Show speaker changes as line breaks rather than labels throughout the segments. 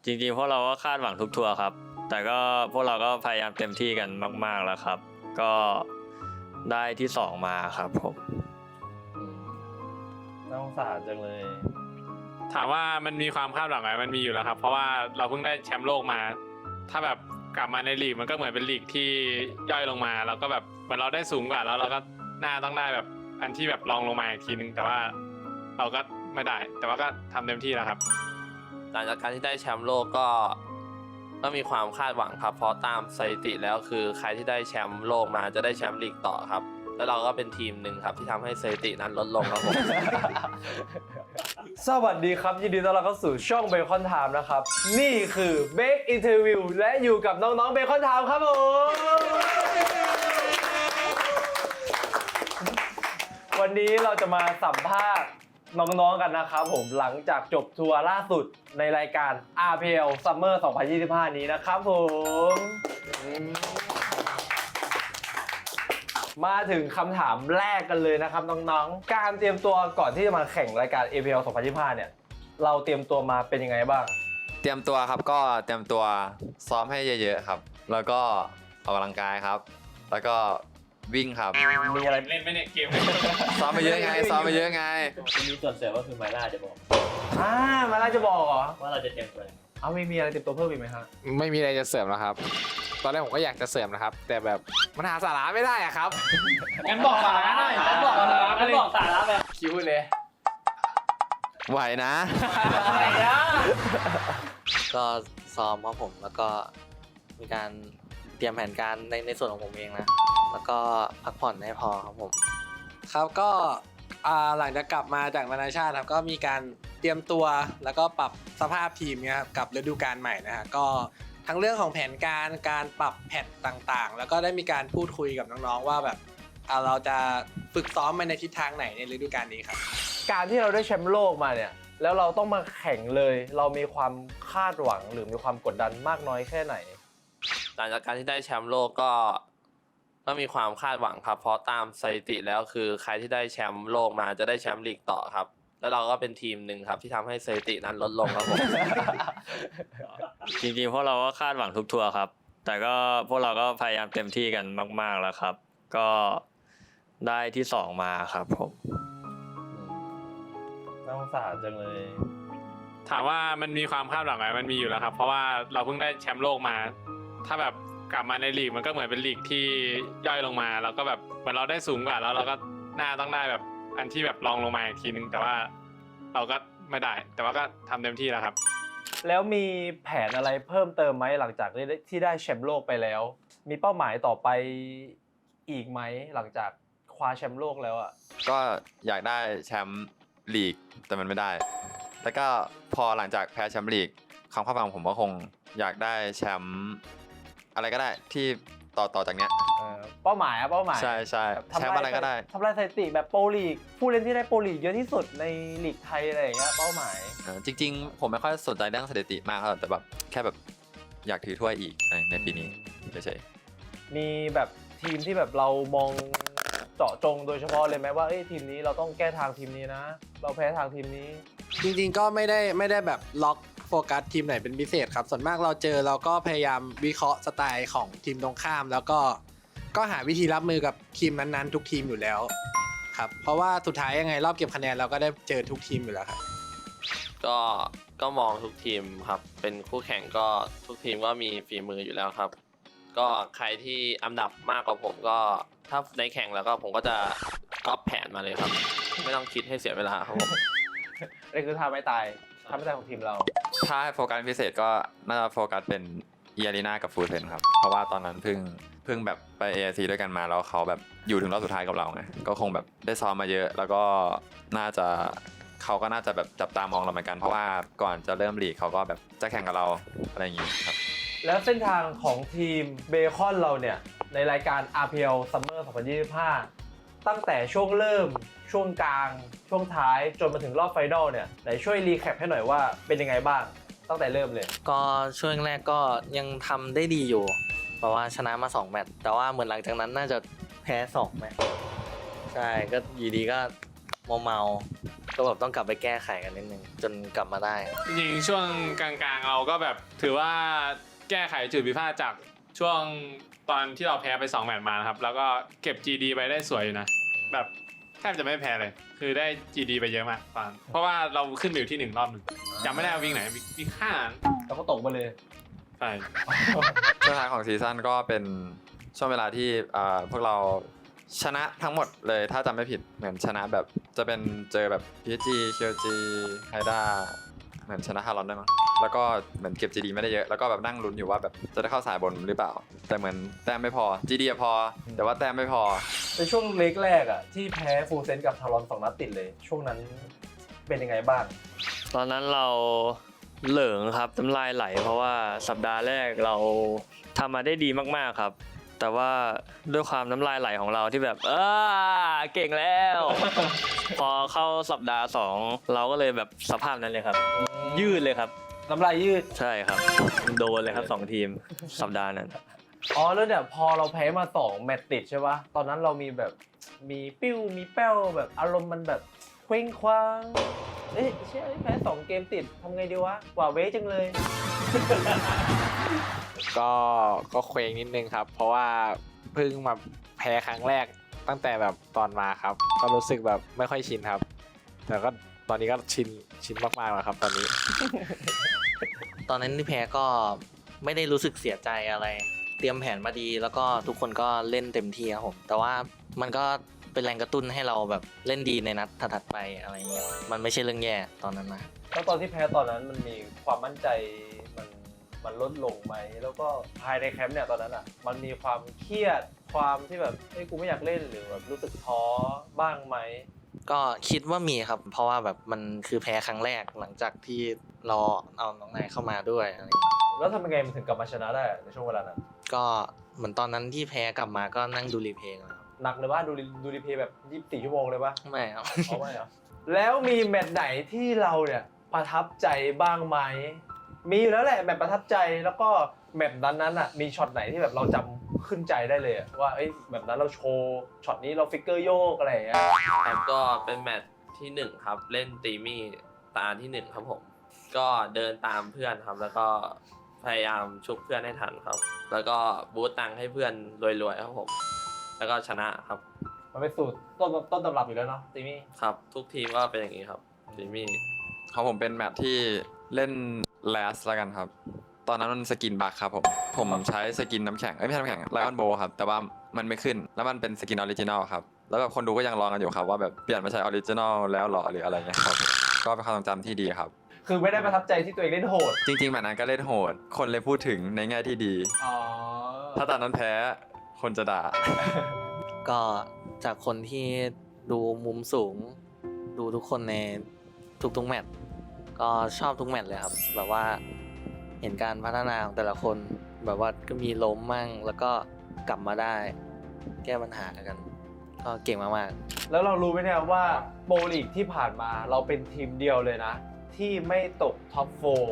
จริงๆพวกเราก็คาดหวังทุกทัวร์ครับ แต่ก็พวกเราก็พยายามเต็มที่กันมากๆแล้วครับ ก็ได้ที่2มาครับผมน่าสงสารจังเลย
ถามว่ามันมีความคาดหวังไหมมันมีอยู่แล้วครับ เพราะว่าเราเพิ่งได้แชมป์โลกมา ถ้าแบบกลับมาในลีกมันก็เหมือนเป็นลีกที่ย่อยลงมาแล้วก็แบบเหมือนเราได้สูงกว่าแล้วเราก็น่าต้องได้แบบอันที่แบบรองลงมาอีกทีนึงแต่ว่าเราก็ไม่ได้ แต่ว่าก็ทำเต็มที่แล้วครับ
หลังจากการที่ได้แชมป์โลกก็มีความคาดหวังครับเพราะตามสถิติแล้วคือใครที่ได้แชมป์โลกมาจะได้แชมป์ลีกต่อครับแล้วเราก็เป็นทีมหนึ่งครับที่ทำให้สถิตินั้นลดลงครับผม
สวัสดีครับยินดีต้อนรับเข้าสู่ช่องเบคอนไทม์นะครับ นี่คือเบคอินเทอร์วิวและอยู่กับน้องๆเบคอนไทม์ครับผมวันนี้เราจะมาสัมภาษณ์น้องๆกันนะครับผมหลังจากจบทัวร์ล่าสุดในรายการ RPL Summer 2025 นี้นะครับผมมาถึงคำถามแรกกันเลยนะครับน้องๆการเตรียมตัวก่อนที่จะมาแข่งรายการ APL 2025 เนี่ยเราเตรียมตัวมาเป็นยังไงบ้าง
เตรียมตัวครับก็เตรียมตัวซ้อมให้เยอะๆครับแล้วก็ออกกำลังกายครับแล้วก็วิ่งครับ
มีอะไร
เล่นไม่เนี่ยเกม
ซ้อมไปเยอะไงซ้อมไปเยอะไง
มีส่วนเสริมก็คือไมล่าจะบอก
มาล่าจะบอกเหรอ
ว่าเราจะเตรียมตัวยังไง
เอาไม่มีอะไรเตรียมตัวเพิ่มอีกไหมฮะ
ไม่มีอะไรจะเสริมแล้วครับ ตอนแรกผมก็อยากจะเสริมนะครับ แต่แบบมันหาสาระไม่ได้อะครับ
งั้นบอกสาระหน่อยงั้นบอกสาระงั้นบอกสาระไป
คิวเลย
ไหวนะ
ก็ซ้อมครับผมแล้วก็มีการเตรียมแผนการในส่วนของผมเองนะแล้วก็พักผ่อนให้พอครับผม
ครับก็หลังจากกลับมาจากนานาชาติครับก็มีการเตรียมตัวแล้วก็ปรับสภาพทีมเนี่ยครับกับฤดูกาลใหม่นะฮะก็ทั้งเรื่องของแผนการปรับแพทต่างๆ แล้วก็ได้มีการพูดคุยกับน้องๆว่าแบบเราจะฝึกซ้อมไปในทิศทางไหนในฤดูกาลนี้ครับ
การที่เราได้แชมป์โลกมาเนี่ยแล้วเราต้องมาแข่งเลยเรามีความคาดหวังหรือมีความกดดันมากน้อยแค่ไหน
หลังจากการที่ได้แชมป์โลกก็มีความคาดหวังครับเพราะตามสถิติแล้วคือใครที่ได้แชมป์โลกมาจะได้แชมป์ลีกต่อครับแล้วเราก็เป็นทีมหนึ่งครับที่ทำให้สถิตินั้นลดลงครับผม
จริงๆพวกเราก็คาดหวังทุกทัวร์ครับ แต่ก็พวกเราก็พยายามเต็มที่กันมากๆแล้วครับ ก็ได้ที่2มาครับผมน่าสงสารจังเลย
ถามว่ามันมีความคาดหวังไหมมันมีอยู่แล้วครับเพราะว่าเราเพิ่งได้แชมป์โลกมา ถ้าแบบกลับมาในลีกมันก็เหมือนเป็นลีกที่ย่อยลงมาแล้วก็แบบเหมือนเราได้สูงกว่าแล้วเราก็น่าต้องได้แบบอันที่แบบรองลงมาอีกทีนึงแต่ว่าเราก็ไม่ได้ แต่ว่าก็ทำเต็มที่แล้วครับ
แล้วมีแผนอะไรเพิ่มเติมไหมหลังจากที่ได้แชมป์โลกไปแล้ว มีเป้าหมายต่อไปอีกไหมหลังจากคว้าแชมป์โลกแล้วอ่ะ
ก็อยากได้แชมป์ลีกแต่มันไม่ได้แล้วก็พอหลังจากแพ้แชมป์ลีกความคาดหวังผมก็คงอยากได้แชมป์อะไรก็ได้ที่ต่อจากเนี้ย
เป้าหมาย
ใช่ใช่
แบบ
แชมป์อะไรก็ได้
ทำลายสถิติแบบโปรลีกผู้เล่นที่ได้โปรลีกเยอะที่สุดในลีกไทยอะไรอย่างเงี้ยเป้าหมาย
จริงๆผมไม่ค่อยสนใจเรื่องสถิติมากเท่าไหร่แต่แบบแค่แบบอยากถือถ้วยอีกในปีนี้เฉย
มีแบบทีมที่แบบเรามองเจาะจงโดยเฉพาะเลยไหมว่าทีมนี้เราต้องแก้ทางทีมนี้นะ เราแพ้ทางทีมนี้
จริงๆก็ไม่ได้แบบล็อกโฟกัสทีมไหนเป็นพิเศษครับส่วนมากเราเจอเราก็พยายามวิเคราะห์สไตล์ของทีมตรงข้าม แล้วก็หาวิธีรับมือกับทีมนั้นๆทุกทีมอยู่แล้วครับเพราะว่าสุดท้ายยังไงรอบเก็บคะแนนเราก็ได้เจอทุกทีมอยู่แล้วครับ
ก็มองทุกทีมครับเป็นคู่แข่งก็ทุกทีมก็มีฝีมืออยู่แล้วครับ ก็ใครที่อันดับมากกว่าผมก็ถ้าในแข่งแล้วก็ผมก็จะก๊อปแผนมาเลยครับ ไม่ต้องคิดให้เสียเวลาครับผม
นี่คือท่าไม่ตายของทีมเรา
ๆถ้าให้โฟกัสพิเศษก็น่าจะโฟกัสเป็นเอียรีนากับฟูลเซนครับเพราะว่าตอนนั้นเพิ่งแบบไป AIC ด้วยกันมาแล้วเขาแบบอยู่ถึงรอบสุดท้ายกับเราไงก็คงแบบได้ซ้อมมาเยอะแล้วก็น่าจะเขาก็น่าจะแบบจับตามองเราเหมือนกันเพราะว่าก่อนจะเริ่มลีกเขาก็แบบจะแข่งกับเราอะไรอย่างงี้ครับ
แล้วเส้นทางของทีมเบคอนเราเนี่ยในรายการ RPL Summer 2025 ตั้งแต่ช่วงเริ่มช่วงกลางช่วงท้ายจนมาถึงรอบไฟนอลเนี่ยไหนช่วยรีแคปให้หน่อยว่าเป็นยังไงบ้างตั้งแต่เริ่มเลย
ก็ช่วงแรกก็ยังทำได้ดีอยู่เพราะว่าชนะมา2แมตช์แต่ว่าเหมือนหลังจากนั้นน่าจะแพ้2แมตช์ใช่ก็อยู่ดีก็เมาก็แบบต้องกลับไปแก้ไขกันนิดนึงจนกลับมาได้
จริงๆช่วงกลางๆเราก็แบบถือว่าแก้ไขจุดผิดพลาดจากช่วงตอนที่เราแพ้ไป2 แมตช์มานะครับแล้วก็เก็บ GD ไปได้สวยอยู่นะแบบแทบจะไม่แพ้เลย คือได้ GD ไปเยอะมากตอนเพราะว่าเราขึ้นไปอยู่ที่1 รอบหนึ่งจำไม่ได้ว่าวิ่งไหนวิ่งข้าง
แล้วก็ตกมาเลย
ใช่
ช่วงท้ายของซีซั่นก็เป็นช่วงเวลาที่พวกเราชนะทั้งหมดเลยถ้าจำไม่ผิดเหมือนชนะแบบจะเป็นเจอแบบ PSG KLG ไฮด้าเหมือนชนะฮารอนได้มั้งแล้วก็เหมือนเก็บ GD ไม่ได้เยอะแล้วก็แบบนั่งลุ้นอยู่ว่าแบบจะได้เข้าสายบนหรือเปล่า แต่เหมือนแต้มไม่พอ GD อะพอ แต่ว่าแต้มไม่พอ
ในช่วงเล็กแรกอ่ะที่แพ้ฟูลเซนกับทารอน2 นัดติดเลย ช่วงนั้นเป็นยังไงบ้าง
ตอนนั้นเราเหลิงครับน้ำลายไหล เพราะว่าสัปดาห์แรกเราทำมาได้ดีมากๆครับ แต่ว่าด้วยความน้ำลายไหลของเราที่แบบเก่งแล้ว พอเข้าสัปดาห์2เราก็เลยแบบสภาพนั้นเลยครับ ยืดเลยครับ
น้ำลายยืด
ใช่ครับ โดนเลยครับ2 ทีมสัปดาห์นั้น
อ๋อแล้วเนี่ยพอเราแพ้มา2 แมตช์ติดใช่ปะตอนนั้นเรามีแบบมีปิ้วมีแป้วแบบอารมณ์มันแบบเคว้งคว้างเอ๊ะเชื่อแพ้2 เกมติดทำไงดีวะหว่าเว้จังเลย
ก็เคว้งนิดนึงครับ เพราะว่าเพิ่งมาแพ้ครั้งแรกตั้งแต่แบบตอนมาครับ ก็รู้สึกแบบไม่ค่อยชินครับ แต่ก็ตอนนี้ก็ชินมากๆแล้วครับตอนนี้
ตอนนั้นที่แพ้ก็ไม่ได้รู้สึกเสียใจอะไร เตรียมแผนมาดีแล้วก็ทุกคนก็เล่นเต็มที่ครับผมแต่ว่ามันก็เป็นแรงกระตุ้นให้เราแบบเล่นดีในนัดถัดๆไปอะไรเงี้ยมันไม่ใช่เรื่องแย่ตอนนั้นนะ
แล้วตอนที่แพ้ตอนนั้นมันมีความมั่นใจมันลดลงไหมแล้วก็ภายในแคมป์เนี่ยตอนนั้นอ่ะมันมีความเครียดความที่แบบเฮ้ยกูไม่อยากเล่นหรือแบบรู้สึกท้อบ้างไหม
ก็คิดว่ามีครับ เพราะว่าแบบมันคือแพ้ครั้งแรกหลังจากที่เราเอาน้องนายเข้ามาด้วยอะไรอย่างเงี้ย
แล้วทำยังไงมันถึงกลับมาชนะได้ในช่วงเวลานั้น
ก็เหมือนตอนนั้นที่แพ้กลับมาก็นั่งดูรีเพลย์นะครับ
หนักเลยว่าดูรีเพลย์แบบ24 ชั่วโมงเลยปะ
ไม่ครับ
เอาไม่เหรอแล้วมีแมตช์ไหนที่เราเนี่ยประทับใจบ้างไหมมีอยู่แล้วแหละแมตช์ประทับใจแล้วก็แมตช์นั้นอ่ะมีช็อตไหนที่แบบเราจำขึ้นใจได้เลยอะว่าเอ้ยแบบนั้นเราโชว์ช็อตนี้เราฟิกเกอร์โยกอะไรอย่างเงี้ย
ครับก็เป็นแมตช์ที่ 1 ครับ เล่นตีมี่ตาที่ 1 ครับผม ก็เดินตามเพื่อนครับ แล้วก็พยายามชุบเพื่อนให้ทันครับ แล้วก็บูตตังค์ให้เพื่อนรวยๆครับผม แล้วก็ชนะครับ
มันเป็นสูตรต้นตำรับอยู่แล้วเนาะตีมี่
ครับ ทุกทีมก็เป็นอย่างนี้ครับตีมี่
ของผมเป็นแมตช์ที่เล่นแลสแล้วกันครับ ตอนนั้นมันสกินบัคครับผมใช้สกินน้ำแข็งไม่ใช่น้ำแข็งไลออนโบครับแต่ว่ามันไม่ขึ้นแล้วมันเป็นสกินออริจินอลครับแล้วแบบคนดูก็ยังรอกันอยู่ครับว่าแบบเปลี่ยนมาใช้ออริจินอลแล้วหรอหรืออะไรเงี้ยครับก็เป็นความทรงจำที่ดีครับ
คือไม่ได้ประทับใจที่ตัวเองเล่นโหด
จริงๆแมตช์นั้นก็เล่นโหด คนเลยพูดถึงในแง่ที่ดี
อ๋อ
ถ้าตอนนั้นแพ้คนจะด่า
ก็จากคนที่ดูมุมสูง ดูทุกคนในทุกๆแมตช์ก็ชอบทุกแมตช์เลยครับแบบว่าเห็นการพัฒนาของแต่ละคนแบบว่าก็มีล้มมั่งแล้วก็กลับมาได้แก้ปัญหากัน ก็เก่งมากๆ
แล้วเรารู้ไหมเนี่ยว่าโปรลีกที่ผ่านมาเราเป็นทีมเดียวเลยนะ ที่ไม่ตกท็อป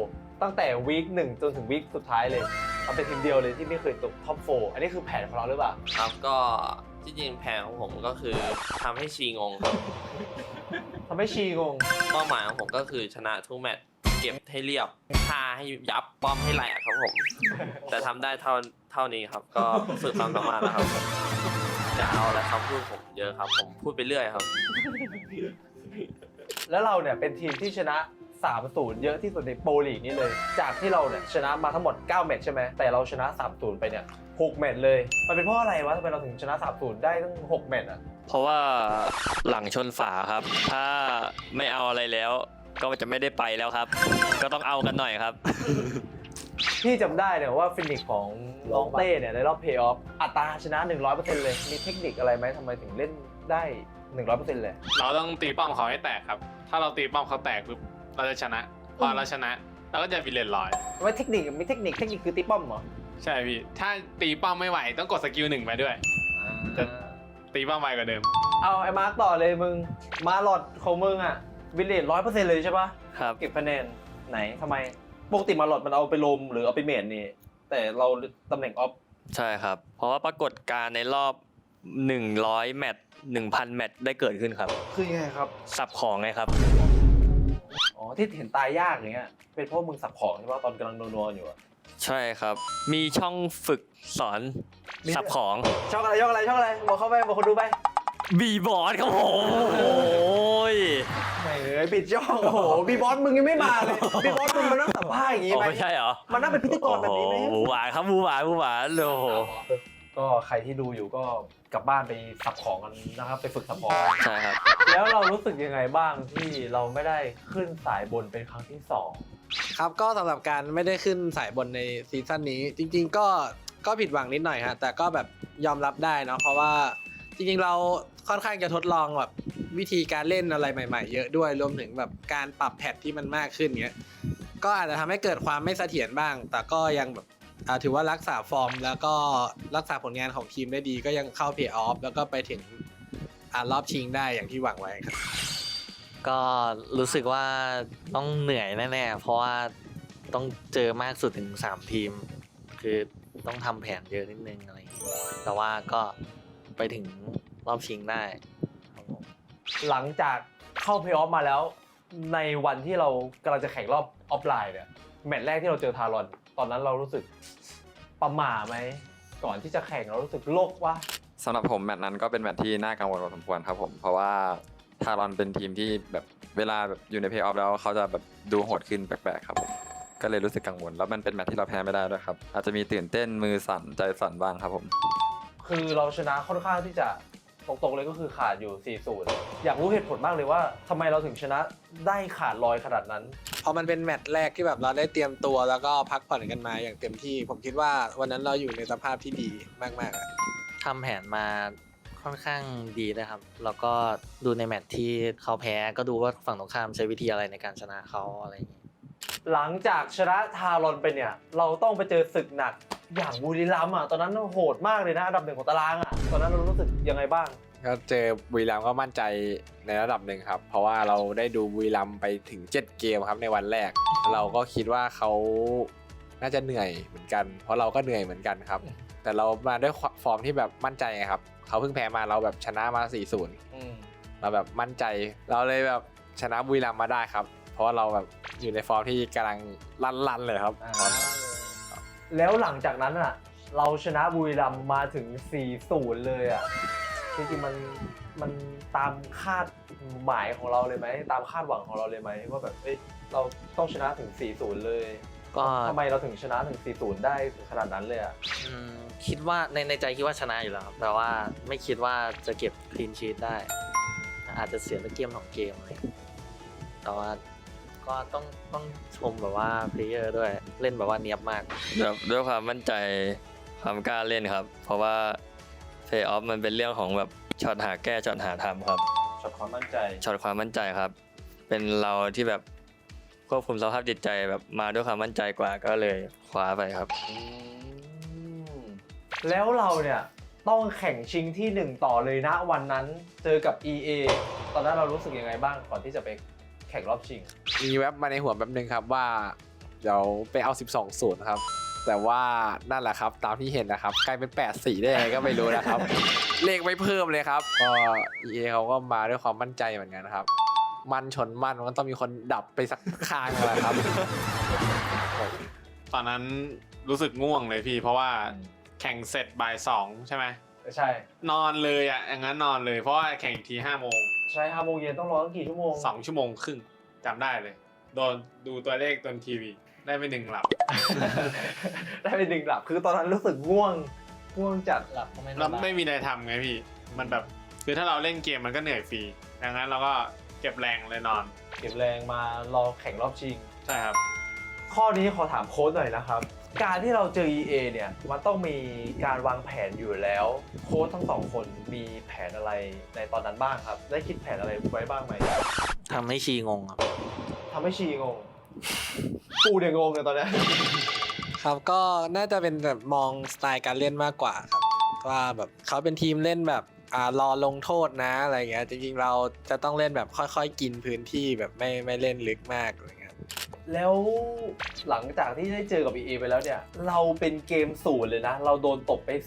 4ตั้งแต่วีค1จนถึงวีคสุดท้ายเลยเราเป็นทีมเดียวเลยที่ไม่เคยตกท็อป4อันนี้คือแผนของเราหรือเปล่า
ครับก็ที่จริงแผนของผมก็คือทำให้ชีงงครับ
ทำให้ชีงง
เป้าหมายของผมก็คือชนะทุกแมตช์เก็บให้เรียบฆ่าให้ยับป้อมให้แหลกครับผม แต่ทำได้เท่านี้ครับ ก็ฝึกความสามารถแล้วครับจะเอาอะไรคำพูดผมเยอะครับ ผมพูดไปเรื่อยครับ
แล้วเราเนี่ยเป็นทีมที่ชนะ 3-0 เยอะที่สุดในโปรลีกนี้เลย จากที่เราเนี่ยชนะมาทั้งหมด 9 แมตช์ใช่ไหมแต่เราชนะ 3-0 ไปเนี่ย 6 แมตช์เลย มันเป็นเพราะอะไรวะทำไมเราถึงชนะ 3-0 ได้ตั้ง 6 แมตช์อ่ะ
เพราะว่าหลังชนฝาครับ ถ้าไม่เอาอะไรแล้ว ก็จะไม่ได้ไปแล้วครับ ก็ต้องเอากันหน่อยครับ
พี่จำได้เนี่ยว่าฟินิกของน้องเต้เนี่ยในรอบเพลย์ออฟอัตราชนะ 100% เลย มีเทคนิคอะไรไหมทำไมถึงเล่นได้ 100% เลย
เราต้องตีป้อมเขาให้แตกครับ ถ้าเราตีป้อมเขาแตกปุ๊บเราจะชนะ พอเราชนะเราก็จะวิลเลนลอย
ว่าเทคนิคมีเทคนิคคือตีป้อมเหรอ
ใช่พี่ ถ้าตีป้อมไม่ไหวต้องกดสกิล1ไปด้วย จะตีป้อมไวกว่าเดิม
เอาไอ้มาร์กต่อเลยมึง มาหลอดของมึงอ่ะวิลเลจ100% เลยใช่ปะ
ครับ
เก็บคะแนนไหนทำไมปกติมาหลอดมันเอาไปลมหรือเอาไปเมจนี่แต่เราตำแหน่งออฟ
ใช่ครับ เพราะว่าปรากฏการณ์ในรอบ 100 แมตช์ 1,000 แมตช์ได้เกิดขึ้นครับ
คือยังไงครับ
สับของไงครับ
อ๋อที่เห็นตายยากอย่างเงี้ยเป็นเพราะมึงสับของใช่ป่ะตอนกำลังนัวๆอยู่อะ
ใช่ครับ มีช่องฝึกสอน
มี
สับของ
ช่องอะไรบอกเข้าไปบอกคนดูไป
บีบอร์ดครับผมโอ้ย
ไม่เลยปิดช่องโอ้โหบีบอสมึงยังไม่มาเลยบีบอสมึงมันต้องสัมภาษณ์อย่างงี้ไหม
ไม่ใช่เหรอ
มันน่าเป็นพิธีกรแบบนี้ไหม
โอ้โหหมูหวานครับหมูหวานโอ้โห
ก็ใครที่ดูอยู่ก็กลับบ้านไปสับของกันนะครับไปฝึกสับของกัน
ใช่ครับ
แล้วเรารู้สึกยังไงบ้างที่เราไม่ได้ขึ้นสายบนเป็นครั้งที่สอง
ครับก็สำหรับการไม่ได้ขึ้นสายบนในซีซั่นนี้จริงๆก็ผิดหวังนิดหน่อยฮะแต่ก็แบบยอมรับได้เนาะเพราะว่าจริงๆเราค่อนข้างจะทดลองแบบวิธีการเล่นอะไรใหม่ๆเยอะด้วยรวมถึงแบบการปรับแพทที่มันมากขึ้นเงี้ยก็อาจจะทำให้เกิดความไม่เสถียรบ้าง แต่ก็ยังแบบถือว่ารักษาฟอร์ม แล้วก็รักษาผลงานของทีมได้ดีก็ยังเข้าเพลย์ออฟแล้วก็ไปถึงรอบชิงได้อย่างที่หวังไว้ครับ
ก็รู้สึกว่าต้องเหนื่อยแน่ๆเพราะว่าต้องเจอมากสุดถึง3ทีม คือต้องทำแผนเยอะนิดนึงอะไรอย่างเงี้ยแต่ว่าก็ไปถึงรอบชิงได้ครับผม
หลังจากเข้าเพลย์ออฟมาแล้ว ในวันที่เรากำลังจะแข่งรอบออฟไลน์เนี่ยแมตช์แรกที่เราเจอทารอนตอนนั้นเรารู้สึกประหม่าไหมก่อนที่จะแข่งเรารู้สึกโลกวะ
สำหรับผมแมตช์นั้นก็เป็นแมตช์ที่น่ากังวลพอสมควรครับผมเพราะว่าทารอนเป็นทีมที่แบบเวลาแบบอยู่ในเพลย์ออฟแล้วเขาจะแบบดูโหดขึ้นแปลกๆครับผมก็เลยรู้สึกกังวลแล้วมันเป็นแมตช์ที่เราแพ้ไม่ได้ด้วยครับอาจจะมีตื่นเต้นมือสั่นใจสั่นบ้างครับผม
คือเราชนะค่อนข้างที่จะตรงๆเลยก็คือขาดอยู่ 4-0 อยากรู้เหตุผลมากเลยว่าทำไมเราถึงชนะได้ขาดลอยขนาดนั้น
พอมันเป็นแมตช์แรกที่แบบเราได้เตรียมตัวแล้วก็พักผ่อนกันมาอย่างเต็มที่ ผมคิดว่าวันนั้นเราอยู่ในสภาพที่ดีมากๆอะ
ทำแผนมาค่อนข้างดีนะครับ แล้วก็ดูในแมตช์ที่เขาแพ้ก็ดูว่าฝั่งตรงข้ามใช้วิธีอะไรในการชนะเขาอะไรอย่างเงี้ย
หลังจากชนะทารอนไปเนี่ยเราต้องไปเจอศึกหนักอย่างบุรีรัมย์อ่ะตอนนั้นโหดมากเลยนะอันดับ 1ของตารางอ่ะตอนนั้นเรารู้สึกยังไงบ้าง
ก็เจอบุรีรัมย์ก็มั่นใจในระดับหนึ่งครับ เพราะว่าเราได้ดูบุรีรัมย์ไปถึง7เกมครับในวันแรก เราก็คิดว่าเขาน่าจะเหนื่อยเหมือนกัน เพราะเราก็เหนื่อยเหมือนกันครับ แต่เรามาด้วยฟอร์มที่แบบมั่นใจไงครับเขาเพิ่งแพ้มาเราแบบชนะมา 4-0 เราแบบมั่นใจเราเลยแบบชนะบุรีรัมย์มาได้ครับ เพราะว่าเราแบบอยู่ในฟอร์มที่กำลังลั่นๆเลยครับ
แล้วหลังจากนั้นอ่ะเราชนะบุรีรัมย์มาถึง 4-0 เลยอ่ะจริงๆมันตามคาดหมายของเราเลยไหมตามคาดหวังของเราเลยไหมว่าแบบเอ้ยเราต้องชนะถึง 4-0 เลย
ก็
ทำไมเราถึงชนะถึง 4-0 ได้ถึงขนาดนั้นเลยอ่ะ
คิดว่าในใจคิดว่าชนะอยู่แล้วครับแต่ว่าไม่คิดว่าจะเก็บคลีนชีทได้ อาจจะเสียสักเกม2 เกมอะไรอย่างเงี้ยแต่ว่าก็ต้องชมแบบว่าเพลเยอร์ด้วยเล่นแบบว่าเนียบมาก
แบบด้วยความมั่นใจความกล้าเล่นครับ เพราะว่าเพย์ออฟมันเป็นเรื่องของแบบช็อตหาแก้ช็อตหาทำครับ
ช็อตความมั่นใจ
ช็อตความมั่นใจครับ เป็นเราที่แบบควบคุมสภาพจิตใจแบบมาด้วยความมั่นใจกว่าก็เลยคว้าไปครับ
แล้วเราเนี่ยต้องแข่งชิงที่ 1 ต่อเลยนะวันนั้นเจอกับ EA ตอนนั้นเรารู้สึกยังไงบ้างก่อนที่จะไปแข่งรอบชิง
มีแว็บมาในหัวแป๊บนึงครับว่าเดี๋ยวไปเอา 12-0 ครับ แต่ว่านั่นแหละครับตามที่เห็นนะครับกลายเป็น 8-4 ได้ยังไงก็ไม่รู้นะครับ เลขไม่เพิ่มเลยครับก็ EA เขาก็มาด้วยความมั่นใจเหมือนกันครับ มันชนมันมันต้องมีคนดับไปสักข้างแหละครับ
ตอนนั้นรู้สึกง่วงเลยพี่ เพราะว่าแข่งเสร็จบ่าย2ใช่ไหม
ใช่
นอนเลยอ่ะอย่างนั้นนอนเลยเพราะว่าแข่งอีกที5 โมง
ใช่5 โมงเย็นต้องรอตั้งกี่ชั่วโมง
2 ชั่วโมงครึ่งจำได้เลยโดนดูตัวเลขบนทีวีได้ไป1 หลับ
ได้ไป1 หลับคือตอนนั้นรู้สึกง่วงจัด
หลับก็ไม่
แล้วไม่มีอะไรทำไงพี่ มันแบบคือถ้าเราเล่นเกมมันก็เหนื่อยฟรีดังนั้นเราก็เก็บแรงเลยนอน
เก็บแรงมารอแข่งรอบชิง
ใช่ครับ
ข้อนี้ขอถามโค้ชหน่อยนะครับ การที่เราเจอ EA เนี่ยมันต้องมีการวางแผนอยู่แล้วโค้ชทั้งสองคนมีแผนอะไรในตอนนั้นบ้างครับ ได้คิดแผนอะไรไว้บ้างไหม
ทำให้ชีงงครับ
ทำให้ชีงงกูเนี่ยงงเลยตอนเนี้ย
ครับก็น่าจะเป็นแบบมองสไตล์การเล่นมากกว่าครับว่าแบบเขาเป็นทีมเล่นแบบรอลงโทษนะอะไรเงี้ยจริงๆเราจะต้องเล่นแบบค่อยๆกินพื้นที่แบบไม่เล่นลึกมากอะไรเงี้ย
แล้วหลังจากที่ได้เจอกับ EA ไปแล้วเนี่ยเราเป็นเกม0เลยนะเราโดนตบไป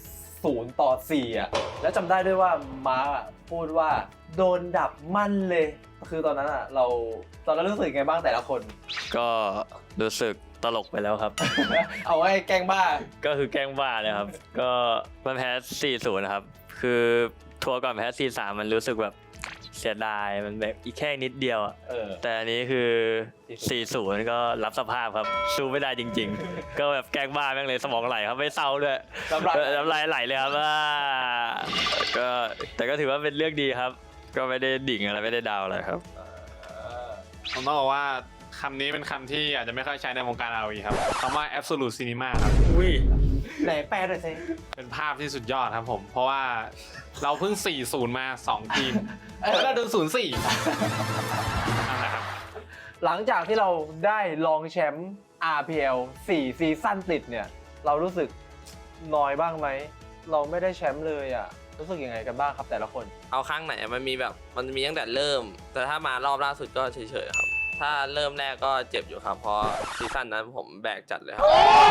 0-4อ่ะแล้วจำได้ด้วยว่ามาร์คอะพูดว่าโดนดับมั่นเลยคือตอนนั้นอ่ะตอนนั้นรู้สึกไงบ้างแต่ละคน
ก็รู้สึกตลกไปแล้วครับ
เอาไว้แกล้งบ้า
ก็คือแกล้งบ้าเลยครับ ก็มันแพ้ 4-0 นะครับ คือทัวร์ก่อนแพ้ 4-3 มันรู้สึกแบบเสียดายมันแบบอีกแค่นิดเดียวอะ แต่อันนี้คือ 4-0 ก็รับสภาพครับ สู้ไม่ได้จริง ๆ ก็แบบแกล้งบ้าแม่งเลยสมองไหลครับไม่เศร้าด้วย น้ำลายไหลเลยครับก็แต่ก็ถือว่าเป็นเรื่องดีครับ ก็ไม่ได้ดิ่งอะไรไม่ได้ดาวอะไรครับ
ผมต้องบอกว่าคำนี้เป็นคำที่อาจจะไม่ค่อยใช้ในวงการ ROE ครับคำว่า absolute cinema ครับ
อุ้ย
ไหนแปลหน่อยสิ
เป็นภาพที่สุดยอดครับผม เพราะว่าเราเพิ่ง 4-0 มา 2 ทีมแล้วเราโดน 0-4 นั่นแหละครับ
หลังจากที่เราได้รองแชมป์ RPL 4 ซีซั่นติดเนี่ยเรารู้สึกน้อยบ้างไหมเราไม่ได้แชมป์เลยอ่ะรู้สึกยังไงกันบ้างครับแต่ละคน
เอาครั้งไหนมันมีตั้งแต่เริ่ม แต่ถ้ามารอบล่าสุดก็เฉยๆครับ ถ้าเริ่มแรกก็เจ็บอยู่ครับ เพราะซีซั่นนั้นผมแบกจัดเลยครับ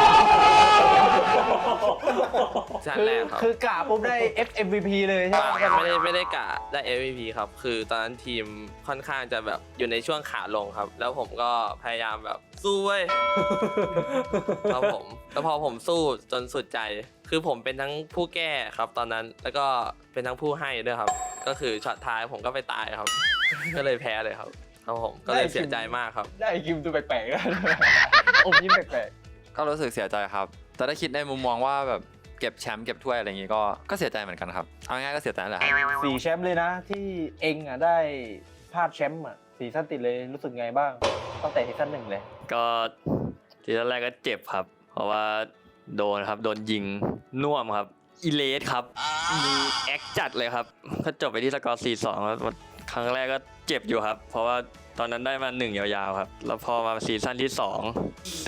ซีซั่นแรกครับ
คือกะปุ๊บได้ FMVP เลยใช่ไหม
ไม่ได้กะได้ MVP ครับ คือตอนนั้นทีมค่อนข้างจะแบบอยู่ในช่วงขาลงครับ แล้วผมก็พยายามแบบสู้เว้ย ครับผมแล้วพอผมสู้จนสุดใจ คือผมเป็นทั้งผู้แก้ครับตอนนั้นแล้วก็เป็นทั้งผู้ให้ด้วยครับ ก็คือช็อตท้ายผมก็ไปตายครับ ก็เลยแพ้เลยครับครับผมก็เลยเสียใจมากครับ
ได้กิมตัวแปลกๆแล้วอมยิ้มแปลก
ก็รู้สึกเสียใจครับ แต่ถ้าคิดในมุมมองว่าแบบเก็บแชมป์เก็บถ้วยอะไรอย่างงี้ก็เสียใจเหมือนกันครับ เอาง่ายๆก็เสียใจนั่นแหละครับ
ๆ4 แชมป์เลยนะที่เองอ่ะได้พลาดแชมป์อ่ะซีซั่นติดเลยรู้สึกไงบ้างตั้งแต่ซีซั่น1เลย
ก็ทีแรกก็เจ็บครับ เพราะว่าโดนครับโดนยิงน่วมครับอีเลสครับมีแอคจัดเลยครับก็จบไปที่สกอร์ 4-2 แล้วครั้งแรกก็เจ็บอยู่ครับ เพราะว่าตอนนั้นได้มา1ยาวๆครับแล้วพอมาซีซั่นที่ 2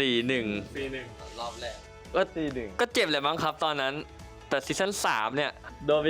4-1
รอบแรก
ก็
4-1
ก็เจ็บเลยมั้งครับตอนนั้นแต่ซีซั่น3เนี่ยโดนไป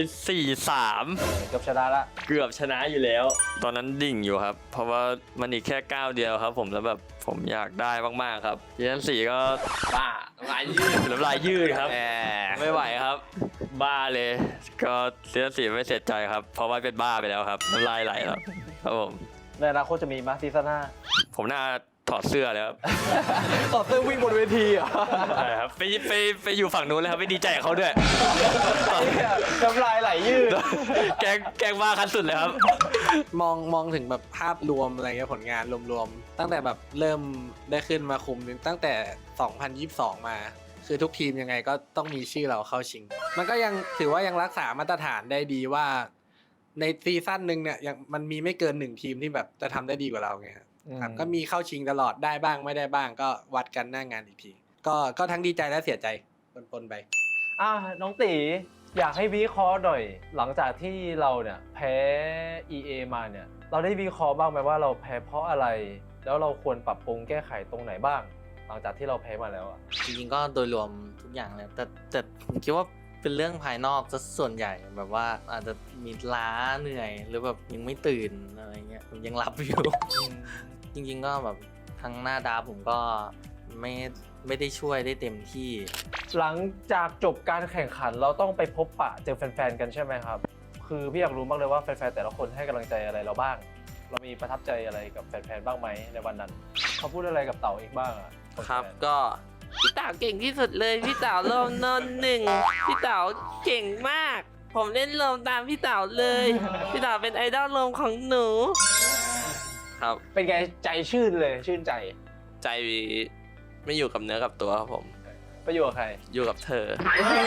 4-3
เกือบชนะละ
เกือบชนะอยู่แล้ว ตอนนั้นดิ่งอยู่ครับ เพราะว่ามันอีกแค่ก้าวเดียวครับ ผมแล้วแบบผมอยากได้มากๆครับซีซั่น4ก็บ้าน้ำลายยืดครับไม่ไหวครับ บ้าเลย ก็ซีซั่น4ไม่เสียใจครับ เพราะว่าเป็นบ้าไปแล้วครับน้ำลายไหลแล้วครับผม
ในอนาคตจะมีมาซีซั่น
ผมน่าถอดเสื้อเลยครับ
5ต่อเสื้อวิ่งบนเวทีอ่ะ
ใช่ครับไปอยู่ฝั่งนู้นเลยครับไม่ดีใจกับเขาด้วย
น้ำลายไหลยืด
แกล้งบ้าขั้นสุดเลยครับ
มองถึงแบบภาพรวมอะไรเงี้ยผลงานรวมๆตั้งแต่แบบเริ่มได้ขึ้นมาคุมตั้งแต่ 2022 มา คือทุกทีมยังไงก็ต้องมีชื่อเราเข้าชิง มันก็ยังถือว่ายังรักษามาตรฐานได้ดีว่า ในซีซั่นหนึ่งเนี่ยยังมันมีไม่เกิน1ทีมที่แบบจะทำได้ดีกว่าเราไงครับก็มีเข้าชิงตลอดได้บ้างไม่ได้บ้างก็วัดกันหน้างานอีกทีก็ทั้งดีใจและเสียใจปนๆไป
น้องตีอยากให้วิเคราะห์หน่อยหลังจากที่เราเนี่ยแพ้ EA มาเนี่ยเราได้วิเคราะห์บ้างไหมว่าเราแพ้เพราะอะไร แล้วเราควรปรับปรุงแก้ไขตรงไหนบ้าง หลังจากที่เราแพ้มาแล้วอ่ะ
จริงๆก็โดยรวมทุกอย่างเลยแต่ผมคิดว่าเป็นเรื่องภายนอกซะส่วนใหญ่แบบว่าอาจจะมีล้าเหนื่อยหรือแบบยังไม่ตื่นอะไรเงี้ยผมยังหลับอยู่ จริงๆก็แบบทั้งหน้าดาผมก็ไม่ได้ช่วยได้เต็มที่
หลังจากจบการแข่งขันเราต้องไปพบปะเจอแฟนๆกันใช่ไหมครับคือพี่อยากรู้มากเลยว่าแฟนๆแต่ละคนให้กำลังใจอะไรเราบ้าง เรามีประทับใจอะไรกับแฟนๆบ้างไหมในวันนั้นเขาพูดอะไรกับเต๋าอีกบ้างอ่ะ
ครับก็พี่เต๋าเก่งที่สุดเลยพี่เต๋าลมนนหนึ่งพี่เต๋าเก่งมาก ผมเล่นลมตามพี่เต๋าเลยพี่เต๋าเป็นไอดอลลมของหนูครับ
เป็นไงใจชื่นเลยชื่นใจ
ใจไม่อยู่กับเนื้อกับตัวครับผม
ไปอยู่กับใคร
อยู่กับเธอ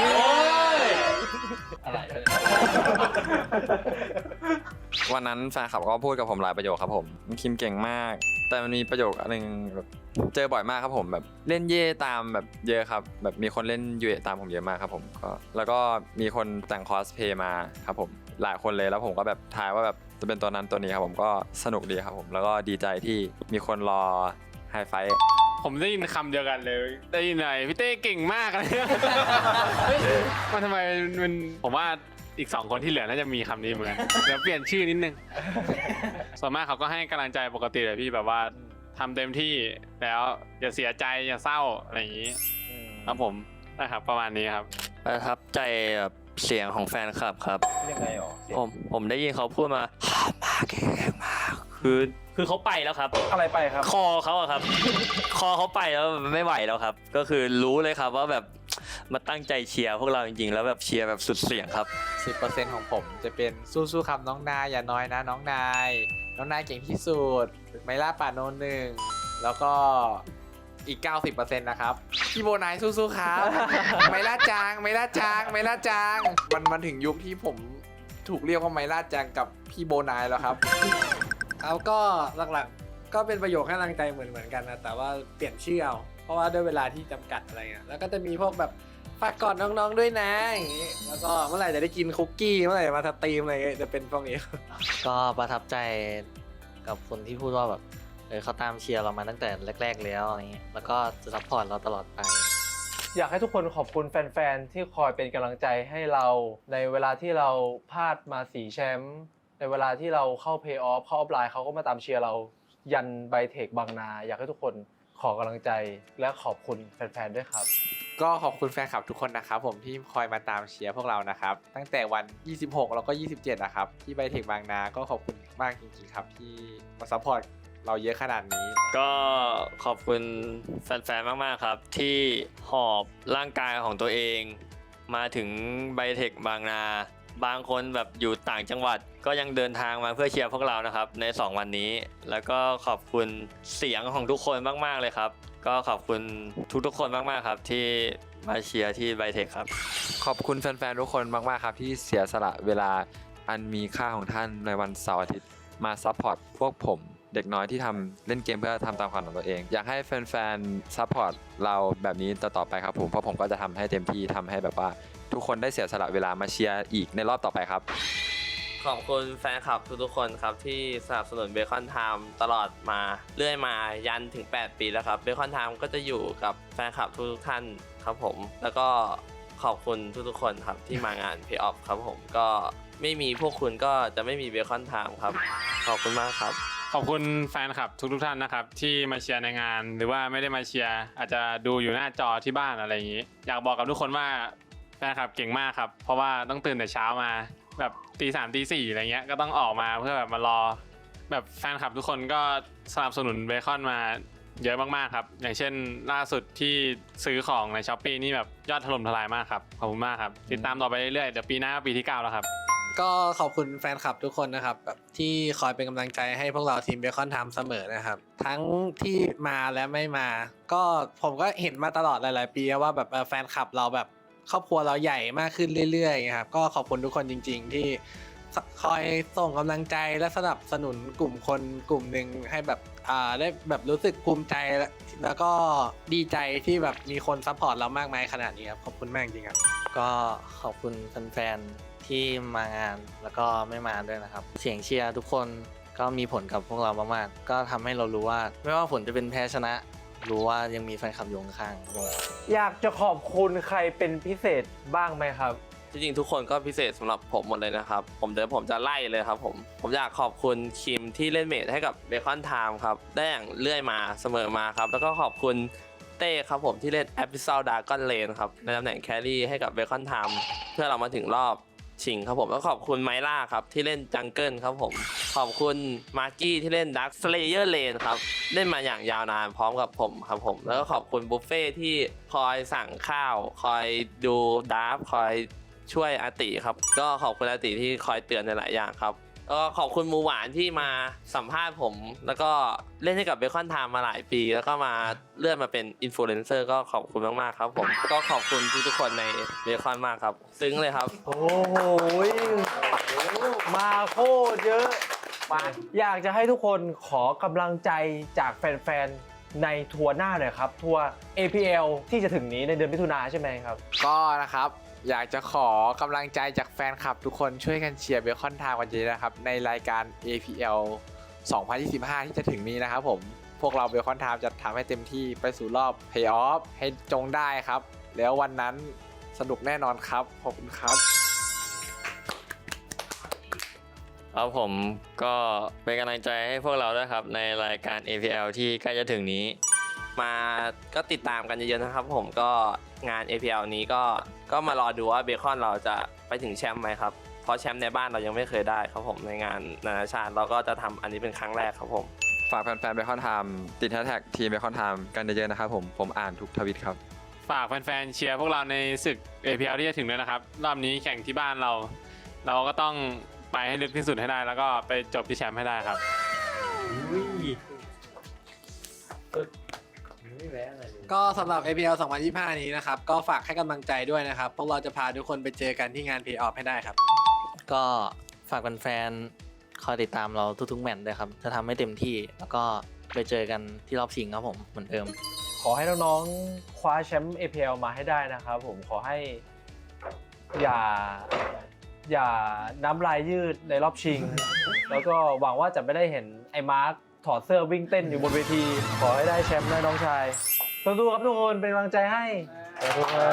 อะไร
วันนั้นแฟนคลับก็พูดกับผมหลายประโยคครับผมคิมเก่งมาก แต่มันมีประโยคอันนึงแบบเจอบ่อยมากครับผมแบบเล่นเย่ตามแบบเยอะครับแบบมีคนเล่นยูเอตามผมเยอะมากครับผมก็แล้วก็มีคนแต่งคอสเพย์มาครับผมหลายคนเลยแล้วผมก็แบบทายว่าแบบจะเป็นตัวนั้นตัวนี้ครับผมก็สนุกดีครับผมแล้วก็ดีใจที่มีคนรอไฮไฟท์
ผมได้ยินคำเดียวกันเลย ได้ยินอะไรพี่เต้เก่งมากอะไรเงี้ยมันทำไมมันผมว่าอีก2คนที่เหลือน่าจะมีคำนี้เหมือนกันเดี๋ยวเปลี่ยนชื่อนิดนึง ส่วนมากเขาก็ให้กำลังใจปกติเลยพี่แบบว่าทำเต็มที่แล้วอย่าเสียใจอย่าเศร้าอะไรอย่างนี้ครับผมนะครับประมาณนี้ครับ
ประทับใจแบบเสียงของแฟนคลับครับ
ยังไงหรอ
ผมได้ยินเขาพูดมามาเก่งมากคือเขาไปแล้วครับ
อะไรไปครับ
คอเขาอะครับ คอเขาไปแล้วไม่ไหวแล้วครับ ก็คือรู้เลยครับว่าแบบมาตั้งใจเชียร์พวกเราจริงๆแล้วแบบเชียร์แบบสุดเสียงครับ
10%ของผมจะเป็นสู้ๆครับน้องนายอย่าน้อยนะน้องนายเก่งที่สุดไมล่าป่าโนหนึ่งแล้วก็อีก 90%นะครับพี่โบนายสู้ๆครับ ไมล่าจางมันถึงยุคที่ผมถูกเรียกว่าไมล่าจางกับพี่โบนายแล้วครับ
แล้วก็หลักๆก็เป็นประโยคให้กำลังใจเหมือนกันนะแต่ว่าเปลี่ยนชื่อเอาเพราะว่าด้วยเวลาที่จำกัดอะไรเงี้ยแล้วก็จะมีพวกแบบฝากกอดน้องๆด้วยนะอย่างงี้แล้วก็เมื่อไหร่จะได้กินคุกกี้เมื่อไหร่จะมาสตรีมอะไรเงี้ยจะเป็นพวกนี้
ก็ประทับใจกับคนที่พูดว่าแบบเขาตามเชียร์เรามาตั้งแต่แรกๆแล้วอะไรเงี้ยแล้วก็จะซัพพอร์ตเราตลอดไป
อยากให้ทุกคนขอบคุณแฟนๆที่คอยเป็นกำลังใจให้เราในเวลาที่เราพลาดมา4แชมป์ในเวลาที่เราเข้าเพย์ออฟเข้าออฟไลน์เขาก็มาตามเชียร์เรายันไบเทคบางนาอยากให้ทุกคนขอกำลังใจและขอบคุณแฟนๆด้วยครับ
ก็ขอบคุณแฟนคลับทุกคนนะครับผมที่คอยมาตามเชียร์พวกเรานะครับตั้งแต่วัน 26 แล้วก็ 27 นะครับที่ไบเทคบางนาก็ขอบคุณมากจริงๆครับที่มาซัพพอร์ตเราเยอะขนาดนี้
ก็ขอบคุณแฟนๆ มากๆ ครับ ที่หอบร่างกายของตัวเองมาถึงไบเทคบางนา บางคนแบบอยู่ต่างจังหวัดก็ยังเดินทางมาเพื่อเชียร์พวกเรานะครับใน2วันนี้แล้วก็ขอบคุณเสียงของทุกคนมากๆเลยครับก็ขอบคุณทุกๆคนมากๆครับที่มาเชียร์ที่ไบเทคครับ
ขอบคุณแฟนๆทุกคนมากๆครับที่เสียสละเวลาอันมีค่าของท่านในวันเสาร์อาทิตย์มาซัพพอร์ตพวกผมเด็กน้อยที่ทำเล่นเกมเพื่อทำตามฝันของตัวเองอยากให้แฟนๆซัพพอร์ตเราแบบนี้ต่อไปครับผมเพราะผมก็จะทำให้เต็มที่ทำให้แบบว่าทุกคนได้เสียสละเวลามาเชียร์อีกในรอบต่อไปครับ
ขอบคุณแฟนคลับทุกๆคนครับที่สนับสนุนเบคอนไทม์ตลอดมาเรื่อยมายันถึง8 ปีแล้วครับเบคอนไทม์ก็จะอยู่กับแฟนคลับทุกๆท่านครับผมแล้วก็ขอบคุณทุกๆคนครับที่มางาน Pay Off ครับผมก็ไม่มีพวกคุณก็จะไม่มีเบคอนไทม์ครับขอบคุณมากครับ
ขอบคุณแฟนคลับทุกๆท่านนะครับที่มาเชียร์ในงานหรือว่าไม่ได้มาเชียร์อาจจะดูอยู่หน้าจอที่บ้านอะไรอย่างนี้ อยากบอกกับทุกคนว่าแฟนคลับเก่งมากครับเพราะว่าต้องตื่นแต่เช้ามาแบบ3 ตี 4อะไรเงี้ยก็ต้องออกมาเพื่อแบบมารอแบบแฟนคลับทุกคนก็สนับสนุนเบคอนมาเยอะมากๆครับอย่างเช่นล่าสุดที่ซื้อของใน Shopee นี่แบบยอดถล่มทลายมากครับขอบคุณมากครับติดตามต่อไปเรื่อยๆเดี๋ยวปีหน้าปีที่ 9 แล้วครับ
ก็ขอบคุณแฟนคลับทุกคนนะครับแบบที่คอยเป็นกำลังใจให้พวกเราทีมเบคอนไทม์เสมอนะครับทั้งที่มาและไม่มา ก็ผมก็เห็นมาตลอดหลายๆปีว่าแบบแฟนคลับเราแบบครอบครัวเราใหญ่มากขึ้นเรื่อยๆครับก็ขอบคุณทุกคนจริงๆที่คอยส่งกำลังใจและสนับสนุนกลุ่มคนกลุ่มหนึ่งให้แบบได้แบบรู้สึกภูมิใจแล้วก็ดีใจที่แบบมีคนซัพพอร์ตเรามากมายขนาดนี้ครับขอบคุณมากจริงครับ
ก็ขอบคุณแฟนๆที่มางานแล้วก็ไม่มาด้วยนะครับ เสียงเชียร์ทุกคนก็มีผลกับพวกเรามากๆก็ทำให้เรารู้ว่าไม่ว่าผลจะเป็นแพ้ชนะ รู้ว่ายังมีแฟนคลับอยู่ข้างๆ
อยากจะขอบคุณใครเป็นพิเศษบ้างไหมครับ
จริงๆทุกคนก็พิเศษสำหรับผมหมดเลยนะครับผมจะไล่เลยครับผมอยากขอบคุณคิมที่เล่นเมจให้กับเบคอนไทม์ครับได้อย่างเรื่อยมาเสมอมาครับแล้วก็ขอบคุณเต้ครับผมที่เล่นแอป Episode Dragon Lane ครับในตำแหน่งแครี่ให้กับเบคอนไทม์เพื่อเรามาถึงรอบชิงครับผมแล้วขอบคุณไมล่าครับที่เล่นจังเกิลครับผมขอบคุณมาร์กี้ที่เล่น Dark Slayer Lane ครับเล่นมาอย่างยาวนานพร้อมกับผมครับผมแล้วก็ขอบคุณบุฟเฟ่ที่คอยสั่งข้าวคอยดูดราฟคอยช่วยอาติครับก็ขอบคุณอาติที่คอยเตือนในหลายอย่างครับก็ขอบคุณหมูหวานที่มาสัมภาษณ์ผมแล้วก็เล่นให้กับเบคอนไทม์มาหลายปีแล้วก็มาเลื่อนมาเป็นอินฟลูเอนเซอร์ก็ขอบคุณมากๆครับผมก็ขอบคุณทุกๆคนในเบคอนมากครับซึ้งเลยครับ
โอ้โหมาโคตรเยอะมาอยากจะให้ทุกคนขอกำลังใจจากแฟนๆในทัวร์หน้าหน่อยครับทัวร์ APL ที่จะถึงนี้ในเดือนมิถุนายนใช่ไหมครับ
ก็นะครับอยากจะขอกำลังใจจากแฟนคลับทุกคนช่วยกันเชียร์เบคอนไทม์กันเยอะนะครับในรายการ APL 2025 ที่จะถึงนี้นะครับผมพวกเราเบคอนไทม์จะทำให้เต็มที่ไปสู่รอบ Play Off ให้จงได้ครับแล้ววันนั้นสนุกแน่นอนครับขอบคุณครับ
ครับผมก็เป็นกำลังใจให้พวกเราด้วยครับในรายการ APL ที่ใกล้จะถึงนี้
มาก็ติดตามกันเยอะๆนะครับผมก็งาน APL นี้ก็มารอดูว่าเบคอนเราจะไปถึงแชมป์ไหมครับเพราะแชมป์ในบ้านเรายังไม่เคยได้ครับผมในงานนานาชาติเราก็จะทำอันนี้เป็นครั้งแรกครับผม
ฝากแฟนๆเบคอนไทม์ติดแฮชแท็กทีมเบคอนไทม์กันเยอะๆนะครับผมอ่านทุกทวิตครับ
ฝากแฟนๆเชียร์พวกเราในศึก APL ที่จะถึงด้วยนะครับรอบนี้แข่งที่บ้านเราก็ต้องไปให้ลึกที่สุดให้ได้แล้วก็ไปจบที่แชมป์ให้ได้ครับ
ก็สำหรับ APL 2025 นี้นะครับ ก็ฝากให้กำลังใจด้วยนะครับ พวกเราจะพาทุกคนไปเจอกันที่งาน Play Off ให้ได้ครับ
ก็ฝากแฟนๆคอยติดตามเราทุกๆแมตช์ด้วยครับ จะทำให้เต็มที่แล้วก็ไปเจอกันที่รอบชิงครับผมเหมือนเดิม
ขอให้น้องๆคว้าแชมป์ APL มาให้ได้นะครับผมขอให้อย่าน้ำลายยืดในรอบชิง แล้วก็หวังว่าจะไม่ได้เห็นไอ้มาร์คถอดเสื้อวิ่งเต้นอยู่บนเวที ขอให้ได้แชมป์นะน้องชายสู้ๆครับทุกคนเป็นกำลังใจให้ขอบคุณครับ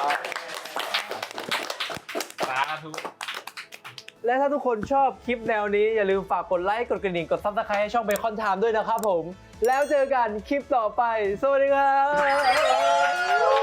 และถ้าทุกคนชอบคลิปแนวนี้อย่าลืมฝากกดไลค์กดกระดิ่งกด Subscribe ให้ช่องเบคอนไทม์ด้วยนะครับผมแล้วเจอกันคลิปต่อไปสวัสดีครับ